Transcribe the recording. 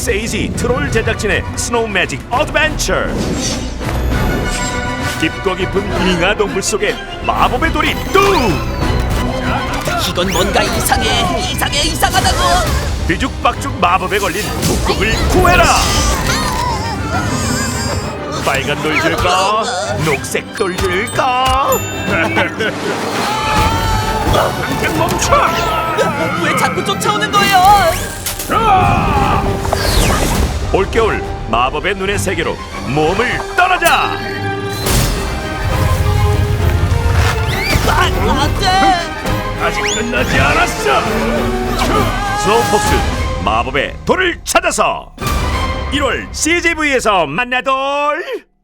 세이지 트롤 제작진의 스노우 매직 어드벤처. 깊고 깊은 빙하 동굴 속에 마법의 돌이 뚝! 이건 뭔가 이상하다고. 뒤죽박죽 마법에 걸린 북극을 구해라. 빨간 돌 줄까? 녹색 돌 줄까? 당장 멈춰! 왜 자꾸 쫓아오는 거예요? 올겨울 마법의 눈의 세계로 몸을 떠나자. 안돼. 아직 끝나지 않았어. 스노우폭스 마법의 돌을 찾아서 1월 CGV에서 만나돌.